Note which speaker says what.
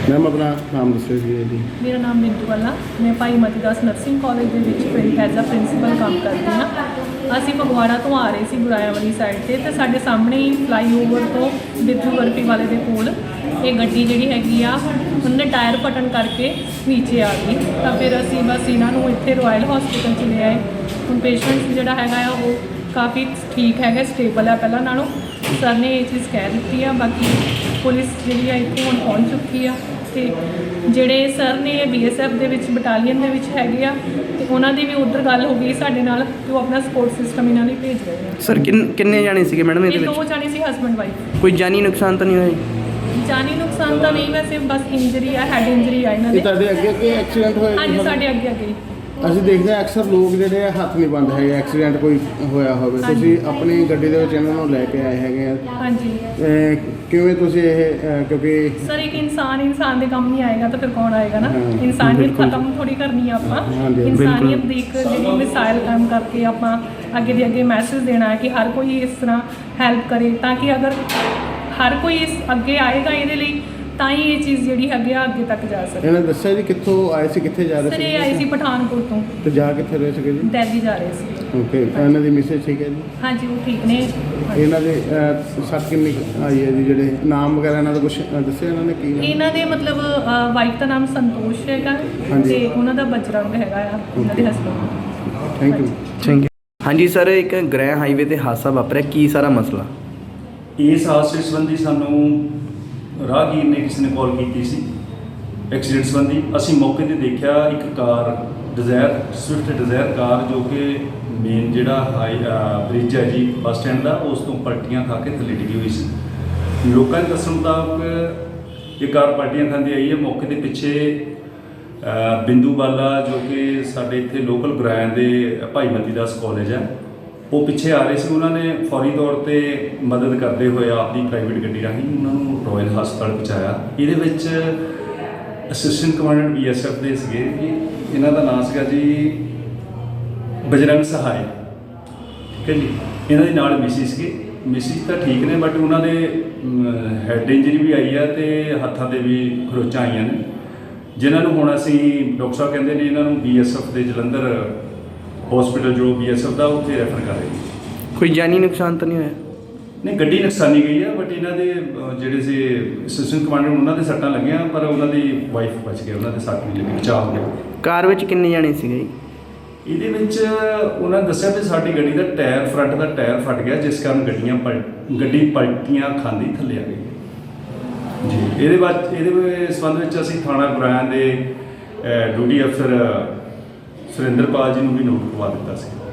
Speaker 1: Ma'am अपना नाम दसो जी।
Speaker 2: मेरा नाम मिंटू वाला, मैं भाई मती दास नर्सिंग कॉलेज ਦੇ ਵਿੱਚ ਐਜ਼ ਅ ਪ੍ਰਿੰਸੀਪਲ ਕੰਮ ਕਰਦੀ ਹਾਂ। ਅਸੀਂ ਫਗਵਾੜਾ ਤੋਂ ਆ ਰਹੇ ਸੀ ਗੁਰਾਇਆ ਵਾਲੀ ਸਾਈਡ ਤੇ ਸਾਡੇ ਸਾਹਮਣੇ ਹੀ ਫਲਾਈਓਵਰ ਤੋਂ ਬਿੱਧੂ ਬਰਫੀ ਵਾਲੇ ਦੇ ਕੋਲ ਇਹ ਗੱਡੀ ਜਿਹੜੀ ਹੈਗੀ ਆ ਉਹਨੇ ਟਾਇਰ ਪਟਣ ਕਰਕੇ ਨੀਚੇ ਆ ਗਈ। ਤਾਂ ਫਿਰ ਅਸੀਂ ਬਸ ਇਹਨਾਂ ਨੂੰ ਇੱਥੇ ਰਾਇਲ ਹਸਪੀਟਲ 'ਚ ਲੈ ਆਏ। ਹੁਣ ਪੇਸ਼ੈਂਟ ਜਿਹੜਾ ਹੈਗਾ ਆ ਉਹ ਕਾਫੀ ਠੀਕ ਹੈਗਾ, ਸਟੇਬਲ ਹੈ ਪਹਿਲਾਂ ਨਾਲੋਂ। ਸਰ ਨੇ ਇਹ ਚੀਜ਼ ਕਹਿ ਦਿੱਤੀ ਆ। ਬਾਕੀ ਪੁਲਿਸ ਜਿਹੜੀ ਆ ਇੱਥੇ ਹੁਣ ਪਹੁੰਚ ਚੁੱਕੀ ਆ ਤੇ ਜਿਹੜੇ ਸਰ ਨੇ BSF ਦੇ ਵਿੱਚ ਬਟਾਲੀਅਨ ਦੇ ਵਿੱਚ ਹੈਗੇ ਆ ਤੇ ਉਹਨਾਂ ਦੀ ਵੀ ਉੱਧਰ ਗੱਲ ਹੋ ਗਈ ਸਾਡੇ ਨਾਲ ਕਿ ਉਹ ਆਪਣਾ ਸਪੋਰਟ ਸਿਸਟਮ ਇਹਨਾਂ ਲਈ ਭੇਜ ਰਹੇ ਆ।
Speaker 3: ਸਰ ਕਿੰਨੇ ਜਾਣੇ ਸੀਗੇ ਮੈਡਮ ਇਹਦੇ
Speaker 2: ਇਹ
Speaker 3: ਵਿੱਚ?
Speaker 2: 2 ਜਾਣੇ ਸੀ, ਹਸਬੈਂਡ ਵਾਈਫ।
Speaker 3: ਕੋਈ ਜਾਨੀ ਨੁਕਸਾਨ ਤਾਂ ਨਹੀਂ ਹੋਇਆ?
Speaker 2: ਜਾਨੀ ਨੁਕਸਾਨ ਤਾਂ ਨਹੀਂ, ਵੈਸੇ ਬਸ ਇੰਜਰੀ ਆ, ਹੈਡ ਇੰਜਰੀ ਆ ਇਹਨਾਂ
Speaker 1: ਇਹ
Speaker 2: ਦੇ।
Speaker 1: ਤੁਹਾਡੇ ਅੱਗੇ ਅੱਗੇ ਐਕਸੀਡੈਂਟ ਹੋਇਆ?
Speaker 2: ਹਾਂਜੀ, ਸਾਡੇ ਅੱਗੇ ਅੱਗੇ ਹੀ।
Speaker 1: ਅਸੀਂ ਦੇਖਦੇ ਹਾਂ ਅਕਸਰ ਲੋਕ ਜਿਹੜੇ ਆ ਹੱਥ ਨਹੀਂ ਪਾਉਂਦੇ ਹੈਗੇ ਐਕਸੀਡੈਂਟ ਕੋਈ ਹੋਇਆ ਹੋਵੇ। ਤੁਸੀਂ ਆਪਣੀ ਗੱਡੀ ਦੇ ਵਿੱਚ ਇਹਨਾਂ ਨੂੰ ਲੈ ਕੇ ਆਏ ਹੈਗੇ ਆ।
Speaker 2: ਹਾਂਜੀ
Speaker 1: ਕਿਵੇਂ ਤੁਸੀਂ ਇਹ ਕਿਉਂਕਿ
Speaker 2: ਸਰ ਇੱਕ ਇਨਸਾਨ ਦੇ ਕੰਮ ਨਹੀਂ ਆਏਗਾ ਤਾਂ ਫਿਰ ਕੌਣ ਆਏਗਾ ਨਾ।
Speaker 1: ਹਾਂ,
Speaker 2: ਇਨਸਾਨੀਅਤ
Speaker 3: ਬਿਲਕੁਲ।
Speaker 2: ਖਤਮ ਥੋੜੀ ਕਰਨੀ ਆ ਆਪਾਂ।
Speaker 1: ਹਾਂਜੀ,
Speaker 2: ਇਨਸਾਨੀਅਤ ਦੀ ਇੱਕ ਜਿਹੜੀ ਮਿਸਾਈਲ ਕੰਮ ਕਰਕੇ ਆਪਾਂ ਅੱਗੇ ਦੇ ਅੱਗੇ ਮੈਸੇਜ ਦੇਣਾ ਹੈ ਕਿ ਹਰ ਕੋਈ ਇਸ ਤਰ੍ਹਾਂ ਹੈਲਪ ਕਰੇ, ਤਾਂ ਕਿ ਅਗਰ ਹਰ ਕੋਈ ਇਸ ਅੱਗੇ ਆਏਗਾ ਇਹਦੇ ਲਈ ਤਾਂ ਹੀ ਇਹ ਚੀਜ਼ ਜਿਹੜੀ ਹੈਗੀ ਆ ਅੱਗੇ ਤੱਕ ਜਾ ਸਕਦੀ।
Speaker 1: ਇਹਨਾਂ ਦੱਸਿਆ ਜੀ ਕਿੱਥੋਂ ਆਏ ਸੀ, ਕਿੱਥੇ ਜਾ
Speaker 2: ਸਰ
Speaker 1: ਰਹੇ
Speaker 2: ਇਹ ਆਏ ਸੀ ਪਠਾਨਕੋਟ ਤੋਂ,
Speaker 1: ਤੇ ਜਾ ਕਿੱਥੇ ਰਹੇ ਸੀਗੇ ਜੀ?
Speaker 2: ਦਿੱਲੀ ਜਾ ਰਹੇ ਸੀ।
Speaker 1: ਓਕੇ, ਇਹਨਾਂ ਦੀ ਮਿਸੇਜ ਠੀਕ ਹੈ ਜੀ?
Speaker 2: ਹਾਂਜੀ ਉਹ ਠੀਕ ਨੇ।
Speaker 1: ਇਹਨਾਂ ਦੇ ਸੱਟ ਕਿੰਨੀ ਕੁ ਆਈ ਹੈ ਜੀ? ਜਿਹੜੇ ਨਾਮ ਵਗੈਰਾ ਇਹਨਾਂ ਦਾ ਕੁਝ ਦੱਸਿਆ ਇਹਨਾਂ ਨੇ ਕੀ ਨਾਮ?
Speaker 2: ਇਹਨਾਂ ਦੇ ਮਤਲਬ ਵਾਈਫ ਦਾ ਨਾਮ ਸੰਤੋਸ਼ ਹੈਗਾ ਤੇ ਉਹਨਾਂ ਦਾ ਬਜਰੰਗ ਹੈਗਾ ਆ, ਉਹਨਾਂ ਦੇ husband.
Speaker 1: Thank you.
Speaker 3: Thank you. ਹਾਂਜੀ ਸਰ, ਇੱਕ ਗ੍ਰਹਿ ਹਾਈਵੇ ਤੇ ਹਾਦਸਾ ਵਾਪਰਿਆ, ਕੀ ਸਾਰਾ ਮਸਲਾ?
Speaker 4: ਇਸ ਹਾਦਸੇ ਸੰਬੰਧੀ ਸਾਨੂੰ ਰਾਹਗੀਰ ਨੇ ਕਿਸੇ ਨੇ ਕਾਲ ਕੀਤੀ ਸੀ ਐਕਸੀਡੈਂਟ ਸੰਬੰਧੀ। ਅਸੀਂ ਮੌਕੇ ਤੇ ਦੇਖਿਆ ਇੱਕ ਕਾਰ ਸਵਿਫਟ ਡਿਜ਼ਾਇਰ ਕਾਰ ਜੋ ਕਿ ਮੇਨ ਜਿਹੜਾ ਬ੍ਰਿਜ ਹੈ ਜੀ ਬੱਸ ਸਟੈਂਡ ਦਾ, ਉਸ ਤੋਂ ਪਲਟੀਆਂ ਖਾ ਕੇ ਥੱਲੇ ਡਿੱਗੀ ਹੋਈ ਸੀ। ਲੋਕਾਂ ਦੇ ਦੱਸਣ ਮੁਤਾਬਕ ਇਹ ਕਾਰ ਪਲਟੀਆਂ ਖਾਂਦੀ ਆਈ ਹੈ। ਮੌਕੇ ਦੇ ਪਿੱਛੇ ਬਿੰਦੂ ਬਾਲਾ ਜੋ ਕਿ ਸਾਡੇ ਇੱਥੇ ਲੋਕਲ ਗੁਰਾਇਆ ਦੇ ਭਾਈ ਮਤੀ ਦਾਸ ਕਾਲਜ ਹੈ, ਉਹ ਪਿੱਛੇ ਆ ਰਹੇ ਸੀ। ਉਹਨਾਂ ਨੇ ਫੌਰੀ ਤੌਰ ਤੇ ਮਦਦ ਕਰਦੇ ਹੋਏ ਆਪਣੀ ਪ੍ਰਾਈਵੇਟ ਗੱਡੀ ਰਾਹੀਂ ਉਹਨਾਂ ਨੂੰ ਰਾਇਲ ਹਸਪਤਾਲ ਪਹੁੰਚਾਇਆ। ਇਹਦੇ ਵਿੱਚ ਅਸਿਸਟੈਂਟ ਕਮਾਂਡੈਂਟ BSF ਦੇ ਸੀਗੇ ਜੀ, ਇਹਨਾਂ ਦਾ ਨਾਮ ਸੀਗਾ ਜੀ ਬਜਰੰਗ ਸਹਾਇ, ਠੀਕ ਹੈ ਜੀ। ਇਹਨਾਂ ਦੇ ਨਾਲ ਮਿਸਿਸ ਤਾਂ ਠੀਕ ਨੇ, ਬਟ ਉਹਨਾਂ ਦੇ ਹੈਡ ਇੰਜਰੀ ਵੀ ਆਈ ਹੈ ਤੇ ਹੱਥਾਂ 'ਤੇ ਵੀ ਖਰੋਚਾਂ ਆਈਆਂ ਨੇ, ਜਿਨ੍ਹਾਂ ਨੂੰ ਹੁਣ ਅਸੀਂ ਡਾਕਟਰ ਸਾਹਿਬ ਕਹਿੰਦੇ ਨੇ ਇਹਨਾਂ ਨੂੰ BSF ਦੇ ਜਲੰਧਰ ਹਸਪੀਟਲ ਜੋ BSF ਦਾ ਉੱਥੇ ਰੈਫਰ ਕਰ ਰਹੇ ਨੇ।
Speaker 3: ਕੋਈ ਜਾਨੀ ਨੁਕਸਾਨ ਤਾਂ ਨਹੀਂ ਹੋਇਆ?
Speaker 4: ਨਹੀਂ, ਗੱਡੀ ਨੁਕਸਾਨੀ ਗਈ ਹੈ, ਬਟ ਇਹਨਾਂ ਦੇ ਜਿਹੜੇ ਸੀ ਅਸਿਸਟੈਂਟ ਕਮਾਂਡੈਂਟ ਉਹਨਾਂ ਦੇ ਸੱਟਾਂ ਲੱਗੀਆਂ, ਪਰ ਉਹਨਾਂ ਦੀ ਵਾਈਫ ਬਚ ਗਏ, ਉਹਨਾਂ ਦੇ ਸੱਟ ਨਹੀਂ ਲੱਗੀ, ਬਚਾਅ ਹੋ ਗਿਆ।
Speaker 3: ਕਾਰ ਵਿੱਚ ਕਿੰਨੇ ਜਾਣੇ ਸੀਗੇ ਜੀ?
Speaker 4: ਇਹਦੇ ਵਿੱਚ ਉਹਨਾਂ ਨੇ ਦੱਸਿਆ ਵੀ ਸਾਡੀ ਗੱਡੀ ਦਾ ਟਾਇਰ, ਫਰੰਟ ਦਾ ਟਾਇਰ ਫਟ ਗਿਆ, ਜਿਸ ਕਾਰਨ ਗੱਡੀ ਪਲਟੀਆਂ ਖਾਂਦੀ ਥੱਲੇ ਆ ਗਈ ਜੀ। ਇਹਦੇ ਸੰਬੰਧ ਵਿੱਚ ਅਸੀਂ ਥਾਣਾ ਗੁਰਾਇਆ ਦੇ ਡਿਊਟੀ ਅਫਸਰ ਸੁਰਿੰਦਰਪਾਲ ਜੀ ਨੂੰ ਵੀ ਨੋਟ ਕਰਵਾ ਦਿੱਤਾ ਸੀ।